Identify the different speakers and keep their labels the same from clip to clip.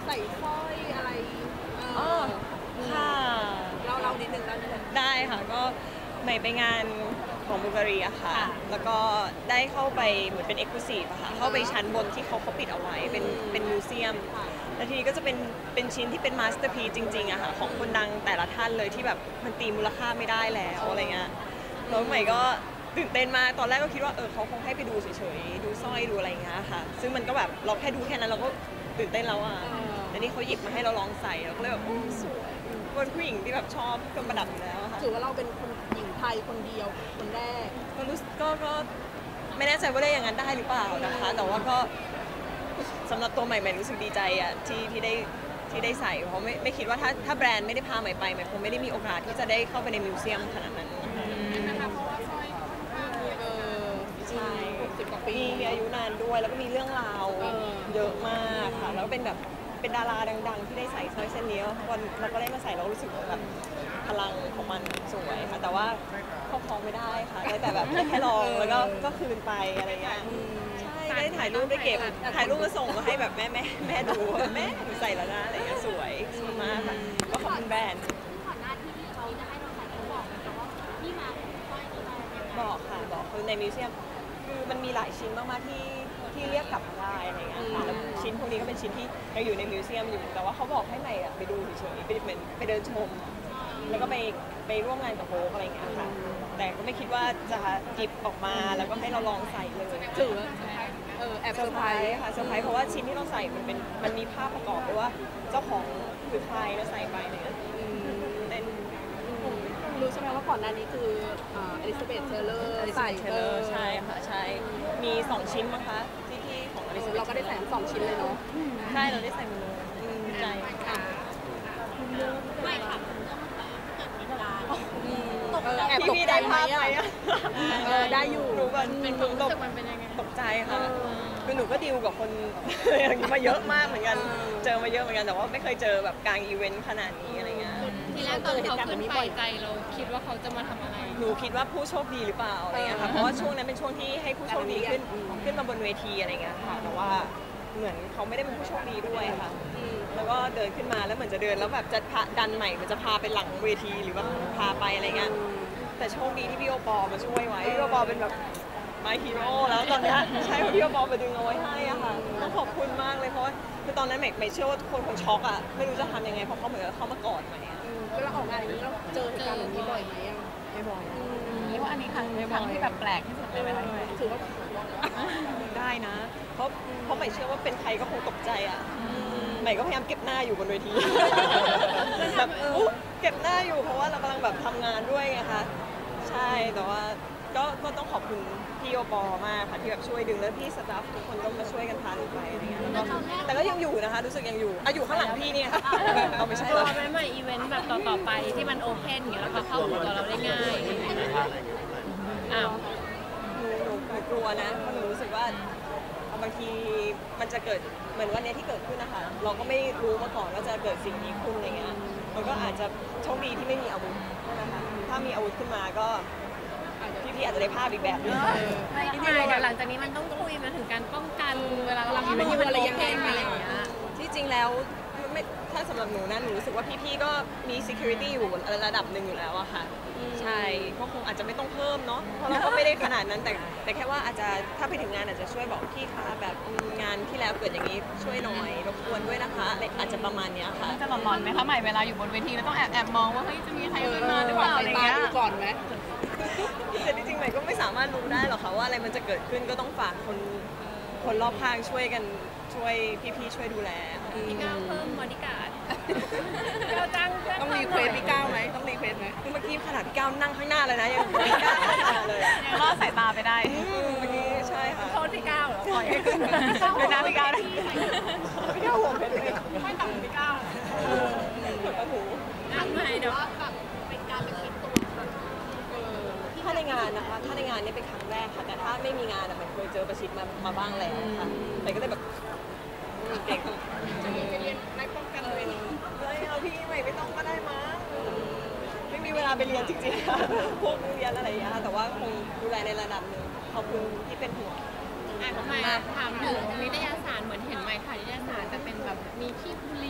Speaker 1: ใส่สร้อยอะไร
Speaker 2: อ๋อค่ะ
Speaker 1: เรานิดนึง
Speaker 2: ได้ค่ะก็ใหม่ไปงานของบูการีอะค่ะแล้วก็ได้เข้าไปเหมือนเป็นเอ็กซ์คลูซีฟอะค่ะเข้าไปชั้นบนที่เขาปิดเอาไว้เป็นมิวเซียมแล้วทีนี้ก็จะเป็นชิ้นที่เป็นมาสเตอร์พีซจริงๆอะค่ะของคนดังแต่ละท่านเลยที่แบบมันตีมูลค่าไม่ได้แล้วอะไรเงี้ยแล้วใหม่ก็ตื่นเต้นมากตอนแรกก็คิดว่าเขาคงให้ไปดูเฉยๆดูสร้อยดูอะไรเงี้ยค่ะซึ่งมันก็แบบเราแค่ดูแค่นั้นเราก็ตื่นเต้นแล้วอะแต่นี่เขาหยิบมาให้เราลองใส่เราก็เลยแบบสวยเป็นผู้หญิงที่แบบชอบเครื่องประดับอยู่แล้วค่ะ
Speaker 1: ถือว่าเราเป็นคนหญิงไทยคนเดียวคนแรก
Speaker 2: ก็รู้ก็ไม่แน่ใจว่าได้อย่างนั้นได้หรือเปล่านะคะแต่ว่าก็สำหรับตัวใหม่รู้สึกดีใจอะที่ได้ใส่เพราะไม่คิดว่าถ้าแบรนด์ไม่ได้พาใหม่ไปใหม่คงไม่ได้มีโอกาสที่จะได้เข้าไปในมิวเซียมขนาดนั้น
Speaker 1: นะคะเพราะว่าสร้อย
Speaker 2: ใช่
Speaker 1: 60 กว่าปี
Speaker 2: มีอายุนานด้วยแล้วก็มีเรื่องราวเยอะมากค่ะแล้วก็เป็นแบบเป็นดาราดังๆที่ได้ใส่สร้อยเส้นนี้วันเราก็ได้มาใส่เรารู้สึกแบบพลังของมันสวยค่ะแต่ว่าครอบครองไม่ได้ค่ะได้แต่แบบแค่ลองแล้วก็คืนไปอะไรเงี้ยใช่ได้ถ่ายรูปได้เก็บถ่ายรูปมาส่งมาให้แบบแม่ดูแม่หนูใส่แล้วนะอะไรเงี้ยสวยมากค่ะก็ขอบคุณแบรนด์
Speaker 3: ก่อนหน้าที่เขาจะให้เราใส่เขาบอกนะคะว่าที่มาของสร้อยนี้มา
Speaker 2: บอกค่ะบอกคือในมิวเซียมคือมันมีหลายชิ้นมากๆที่เรียกกลับมาได้อะไรเงี้ยค่ะแล้วชิ้นพวกนี้ก็เป็นชิ้นที่ยังอยู่ในมิวเซียมอยู่แต่ว่าเขาบอกให้ใหม่ไปดูเฉยๆไปเหมือนไปเดินชมแล้วก็ไปร่วมงานกับโฮกอะไรเงี้ยค่ะแต่ก็ไม่คิดว่าจะหยิบออกมาแล้วก็ให้เราลองใส่เลย
Speaker 1: ถือว่าแอบเซอร์ไพรส์
Speaker 2: ค่ะเซอร์ไพรส์เพราะว่าชิ้นที่เราใส่มันมีภาพประกอบด้วยว่าเจ้าของคือใครแล้วใส่ไปเนี่ยเป็น
Speaker 1: รู้ใช่ไหมว่าก่อนหน้านี้คืออลิซาเบธเทเลอร์ใส่
Speaker 2: ใช่ค่ะใช่มี2ชิ้นมั้งคะที่ของอลิซาเบธ
Speaker 1: เราก็ได้ใส่2 ชิ้นเลยเนาะ
Speaker 2: ใช่เราได้ใส่หมดเลยใจ
Speaker 3: ค่ะไม่ค่ะเกิดเหตุการณ์ตกใจ
Speaker 2: พี่ได้ภาพไหมอะ
Speaker 1: ได้อยู่
Speaker 2: หนูเป็นคนตก
Speaker 3: มันเป็นยังไง
Speaker 2: ตกใจค่ะคือหนูก็ดีลกับคนอย่างนี้มาเยอะมากเหมือนกันเจอมาเยอะเหมือนกันแต่ว่าไม่เคยเจอแบบกลางอีเวนต์ขนาดนี้อะไรเงี้ย
Speaker 3: ทีแรกตอนเขาขึ้นไปใจเราคิดว่าเขาจะมาทำอะไร
Speaker 2: หนูคิดว่าผู้โชคดีหรือเปล่าอะไรเงี้ยค่ะเพราะว่าช่วงนั้นเป็นช่วงที่ให้ผู้โชคดีขึ้นมาบนเวทีอะไรเงี้ยค่ะแต่ว่าเหมือนเขาไม่ได้เป็นผู้โชคดีด้วยค่ะแล้วก็เดินขึ้นมาแล้วเหมือนจะเดินแล้วแบบจะดันใหม่มันจะพาไปหลังเวทีหรือว่าพาไปอะไรเงี้ยแต่โชคดีที่พี่โอปอมาช่วยไว้พี่โอปอเป็นแบบมาฮีโร่แล้วตอนนี้ใช่พี่โอปอมาดึงเอาไว้ให้อะค่ะต้องขอบคุณมากเลยเพราะว่าคือตอนนั้นใหม่เชื่อว่าทุกคนคงช็อกอะไม่รู้จะทำยังไงเพราะเขาเหมือนเขามากอดใหม่
Speaker 1: เวลาออกงานอย่างนี้เราเจอเหตุการณ์แบบนี้บ่อยไหม
Speaker 2: ไม่บ่อย
Speaker 4: เรียกว่าอันนี้ครั้งที่แบบแปลกที่สุดเลยไหมคะ
Speaker 1: ถือว่า
Speaker 2: ได้นะเพราะใหม่เชื่อว่าเป็นใครก็คงตกใจอะใหม่ก็พยายามเก็บหน้าอยู่บนเวทีแบบเก็บหน้าอยู่เพราะว่าเรากำลังแบบทำงานด้วยไงคะใช่แต่ว่าก็ต้องขอบคุณพี่โอปอมากค่ะที่แบบช่วยดึงแล้วพี่สตาฟทุกคนก็มาช่วยกันพาหนูไปอะไรเงี้ยแต่ก็ยังอยู่นะคะรู้สึกยังอยู่อยู่ข้างหลังพี่เนี่ยเอาไม่ใช่
Speaker 3: ตัวใหม่อีเวนต์แบบต่อไปที่มันโอเพนอย่างเงี้ยแล้วก็เข้าถึงตัวเราได้ง่ายอ้าว
Speaker 2: หนูกลัวนะเพราะหนูรู้สึกว่าบางทีมันจะเกิดเหมือนวันนี้ที่เกิดขึ้นนะคะเราก็ไม่รู้มาก่อนว่าจะเกิดสิ่งนี้ขึ้นอะไรเงี้ยมันก็อาจจะโชคดีที่ไม่มีอาวุธนะคะถ้ามีอาวุธขึ้นมาก็พี่อาจจะได้ภาพอีกแบบนึง
Speaker 3: ที่ไหนหลังจากนี้มันต้องคุยมาถึงการป้องกันเวลาเราไม่มีอะไรยังไงอะไรอย่างเงี้ย
Speaker 2: ที่จริงแล้วถ้าสำหรับหนูนะหนูรู้สึกว่าพี่ๆก็มี security อยู่ระดับหนึ่งอยู่แล้วอะค่ะใช่ก็คงอาจจะไม่ต้องเพิ่มเนาะเพราะเราก็ไม่ได้ขนาดนั้นแต่แค่ว่าอาจจะถ้าไปถึงงานอาจจะช่วยบอกพี่คะแบบงานที่แล้วเกิดอย่างนี้ช่วยหน่อยรบกวนด้วยนะคะอาจจะประมาณนี้ค่ะ
Speaker 4: จะหลอนๆไหมคะใหม่เวลาอยู่บนเวทีแล้วต้องแอบมองว่าเฮ้ยจะมีใครขึ้นมาหรือเปล่าอะไรเงี้ย
Speaker 1: ก่อนไหม
Speaker 2: แต่จริงๆใหม่ก็ไม่สามารถรู้ได้หรอกค่ะว่าอะไรมันจะเกิดขึ้นก็ต้องฝากคนรอบข้างช่วยกันช่วยพี่ๆช่วยดูแล
Speaker 3: พี่ก้าวเพิ่มบอดี้การ์ดเราจ้าง
Speaker 1: ต้องรีเควสพี่ก้าวไหมต้องรีเควสไหม
Speaker 2: เมื่อกี้ขนาดพี่ก้าวนั่งข้างหน้าเลยนะยังไม่กล้าเข้ามาเลย
Speaker 4: ยังรอดสายตาไปได้
Speaker 2: เมื่อกี้ใช่ค่ะ
Speaker 3: โทษพี่ก้าวเหรอปล่อยให้
Speaker 4: ขึ้นเป็นน้ำพี่ก้าวได้
Speaker 2: พี่ก้าวห่วงเป็นเลย
Speaker 3: ไม่ต่ำพี่ก้าว
Speaker 2: โอ้โห
Speaker 3: นั่งไหนเดี๋ยวแบบเป็นการไปคิดตัว
Speaker 2: ถ้าในงานนะคะถ้าในงานนี่เป็นครั้งแรกค่ะแต่ถ้าไม่มีงานอะมันเคยเจอประชิดมาบ้างแล้วค่ะแต่ก็เลยแบบเด็ก
Speaker 1: จะเรียนในป้องกันเลย
Speaker 2: เอาพี่ใหม่ไม่ต้องก็ได้มั้งไม่มีเวลาไปเรียนจริงๆค่ะพวกเรียนอะไรอย่างเงี้ยแต่ว่าคงดูแลในระดับหนึ่งขอบคุณที่เป็นห่วง
Speaker 3: ทำไมถามถึงนิตยสารเหมือนเห็นไหมค่ะนิตยสารจะเป็นแบบมีขี้บุหรี่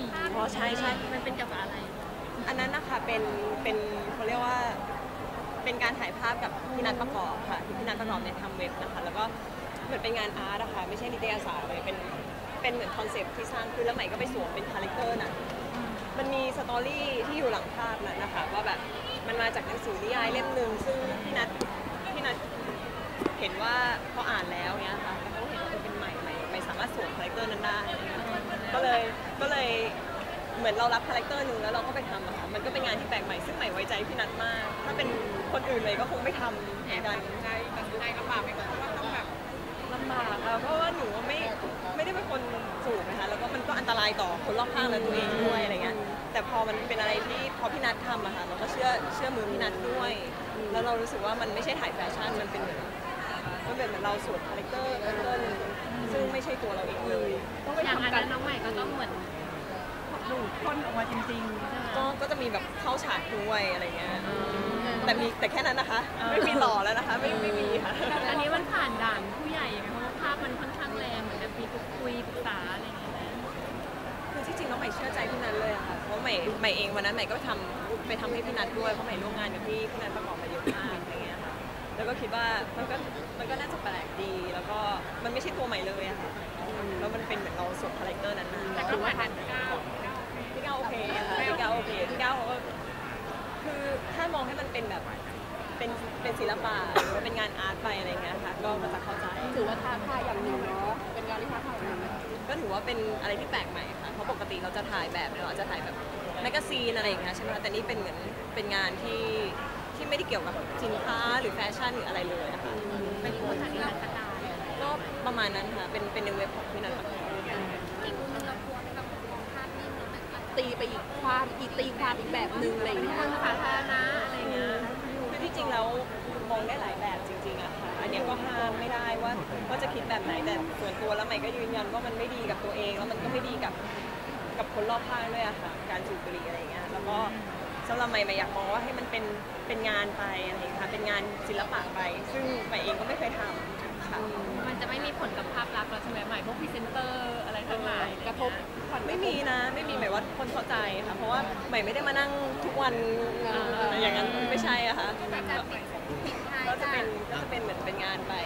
Speaker 2: ใช่ใช่
Speaker 3: มันเป็นเกี่ยวกับอะไร
Speaker 2: อันนั้นนะคะเป็นเขาเรียกว่าเป็นการถ่ายภาพกับพี่นัทประกอบค่ะที่พี่นัทประกอบเนี่ยทำเว็บนะคะแล้วก็เหมือนเป็นงานอาร์ตอะค่ะไม่ใช่นิตยสารเลยเป็นเหมือนคอนเซปต์ที่สร้างขึ้นแล้วใหม่ก็ไปสวมเป็นคาแรคเตอร์น่ะมันมีสตอรี่ที่อยู่หลังภาพนั้นนะคะว่าแบบมันมาจากหนังสือนิยายเล่มหนึ่งซึ่งพี่นัทเห็นว่าเขาอ่านแล้วเนี่ยค่ะแล้วเขาเห็นว่าเป็นใหม่สามารถสวมคาแรคเตอร์นั้นได้ก็เลยเหมือนเรารับคาแรคเตอร์หนึ่งแล้วเราก็ไปทำอะค่ะมันก็เป็นงานที่แปลกใหม่ซึ่งใหม่ไว้ใจพี่นัทมากถ้าเป็นคนอื่นเลยก็คงไม่ทำเหมือนกันใจลำบากไหมคะว่าต้องแบบลำบากอะเพราะว่าหนูไม่ได้เป็นคนสูงนะคะแล้วก็มันก็อันตรายต่อคนรอบข้างและตัวเองด้วยอะไรเงี้ยแต่พอมันเป็นอะไรที่พอพี่นัททำอะค่ะเราก็เชื่อมือพี่นัทด้วยแล้วเรารู้สึกว่ามันไม่ใช่ถ่ายแฟชั่นมันเป็นเหมือนเราสวมคาแรคเตอร์หนึ่งซึ่งไม่ใช่ตัวเราเองเลย
Speaker 3: อย่างอันนั้นน้องใหม่ก็ต้องเหมือนดูดพ่นออกมาจริงๆใช่ไหม
Speaker 2: ก็จะมีแบบเข้าฉากด้วยอะไรเงี้ยแต่แค่นั้นนะคะ ไม่มีหล่อแล้วนะคะ ไม่มีค่ะ
Speaker 3: อันนี้มันผ่านด่านผู้ใหญ่ยังไงเพราะว่าภาพมันค่อนข้างแรงเหมือนจะมีคุยปรึกษาอะไรอย่างเงี้ยนะ
Speaker 2: คือที่จริงแล้วใหม่เชื่อใจพี่นัทเลยอะค่ะ เพราะใหม่เองวันนั้นใหม่ก็ไปทำให้พี่นัทด้วย เพราะใหม่ร่วมงานกับพี่นัทประกอบมาเยอะมากอะไรเงี้ยค่ะ แล้วก็คิดว่ามันก็น่าจะแปลกดี แล้วก็มันไม่ใช่ตัวใหม่เลยอะค่ะแล้วมันเป็นเหมือนเราสวมคาแรคเตอร์นั้นมา
Speaker 3: แต่ก็ผ่านก้าว
Speaker 2: พี่ก้าวโอเคค่ะพี่ก้าวโอเคพี่ก้าวเขาก็คือถ้ามองให้มันเป็นแบบเป็นศิลปะหรือว่าเป็นงานอาร์ตไปอะไรเงี้ยค่ะก็จะเข้าใจ
Speaker 1: ถือว่าท้าทายอย่างหนึ่งเนาะเป็นงานที่ท้าทายอย่างหนึ่ง
Speaker 2: ก็ถือว่าเป็นอะไรที่แปลกใหม่ค่ะเพราะปกติเราจะถ่ายแบบเราจะถ่ายแบบแมกกาซีนอะไรอย่างเงี้ยใช่ไหมคะแต่นี่เป็นเหมือนเป็นงานที่ไม่ได้เกี่ยวกับสินค้าหรือแฟชั่นหรืออะไรเลยอะค่ะ
Speaker 3: เป็นผู้ทันนิรันดร์การ
Speaker 2: ก็ประมาณนั้นค่ะเป็นในเว็บของพี่นันประกอบ
Speaker 3: อีกมุมนึงเราควรแบบมองภาพนิ่งแล้วแบบ
Speaker 1: ตีไปอีกความอีกแบบหนึ่งอะไรอย่างเงี้ย
Speaker 3: คนสาธารณะอะไรเงี้ย
Speaker 2: คือที่จริงแล้วมองได้หลายแบบจริงๆอะค่ะอันเนี้ยก็ห้ามไม่ได้ว่าจะคิดแบบไหนแต่ส่วนตัวแล้วใหม่ก็ยืนยันว่ามันไม่ดีกับตัวเองแล้วมันก็ไม่ดีกับคนรอบข้างด้วยอะค่ะการสูบบุหรี่อะไรอย่างเงี้ยแล้วก็สำหรับใหม่อยากมองว่าให้มันเป็นงานไปอะไรอย่างเงี้ยค่ะเป็นงานศิลปะไปซึ่งใหม่เองก็ไม่เคยทำค่ะ
Speaker 3: มันจะไม่มีผลกับภาพลักษณ์เราใช่ไหมใหม่พวกพรีเซนเตอร์อะไรทั้งหลาย
Speaker 1: กระทบ
Speaker 2: ไม่มีนะไม่มีหมายว่าคนเข้าใจค่ะเพราะว่าใหม่ไม่ได้มานั่งทุกวันอย่างนั้นไม่ใช่อะค่ะก็จะเป็นเหมือนเป็นงานไป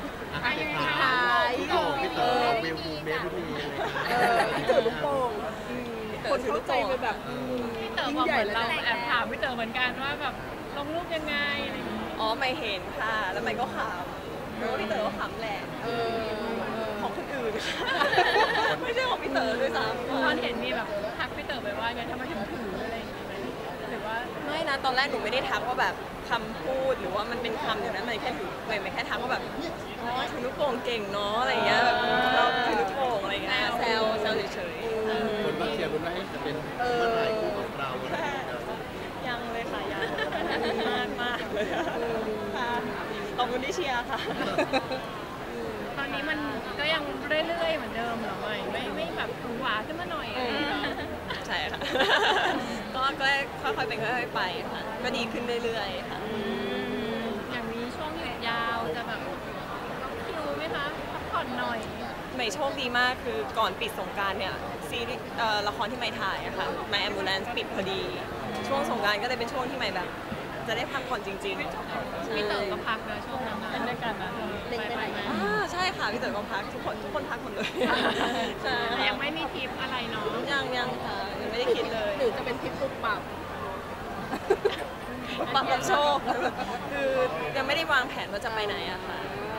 Speaker 5: พี่เต๋อเวลบูเมสทุกทีเลย
Speaker 1: พี่เต๋อลูกโป่งคนเข้าใจไปแบบ
Speaker 3: พี่เต๋อบอกเหมือนเราแอบถามพี่เต๋อเหมือนกันว่าแบบลงรูปยังไงอะไรอย่างเงี้ย
Speaker 2: อ๋อไม่เห็นค่ะ แล้วไม่ก็ขำแล้วพี่เต๋อก็ขำแหละของคนอื่นไม่ใช่ของพี่เต๋อด้วยซ้ำ
Speaker 3: ตอนเห็นมีแบบทักพี่เต๋อไปว่าไงทำไมถึงถืออะไรอย่างเงี้ยหรือว่า
Speaker 2: ไม่นะตอนแรกหนูไม่ได้ทักว่าแบบคำพูดหรือว่ามันเป็นคำอย่างนั้นมันแค่ถือไม่แค่ทักว่าแบบอ๋อถือลูกโป่งเก่งเนาะอะไรอย่างเงี้ยแบบเราถือลูกโป่งอะไรอย่างเงี้ยแซวเฉยๆ
Speaker 5: คนมาเชียร์คนว่าจะเป็นเมื่อไหร่คู่ของเราอะไรอย่างเงี้ย
Speaker 2: ยังเลยค่ะยังมากเลยค่ะขอบคุณที่เชียร์ค่ะ
Speaker 3: ตอนนี้มันก็ยังเรื่อยๆเหมือนเดิมเหรอไม่แบบหวือหวาขึ้นมาหน่อยอะไรอย่างเงี้ย
Speaker 2: ใช่ค่ะ ก็ค่อยๆเป็นค่อยๆไปค่ะ ก็ดีขึ้นเรื่อยๆค่ะ
Speaker 3: อย่างนี้ช่วงหยุดยาวจะแบบคิวไหมคะพักผ่อนหน่อย
Speaker 2: ใหม่โชคดีมากคือก่อนปิดสงกรานต์เนี่ยซีรีส์ละครที่ใหม่ถ่ายอะค่ะ My Ambulance ปิดพอดี ช่วงสงกรานต์ก็เลยเป็นช่วงที่ใหม่แบบ จะได้พักผ่อนจริงๆ
Speaker 3: พี่เต๋อก็พักนะช่วงนั้นนะเป็นด้วยกันนะไปไหม
Speaker 2: ใช่ค่ะพี่เต๋อก็พักทุกคนพักหมดเลยใช่
Speaker 3: แต่ยังไม่มีทริปอะไรเนาะ
Speaker 2: ยังค่ะยังไม่ได้คิดเลย
Speaker 1: หรือจะเป็นทริปปุบปับ
Speaker 2: ปักรับโชคคือยังไม่ได้วางแผนว่าจะไปไหนอะค่ะ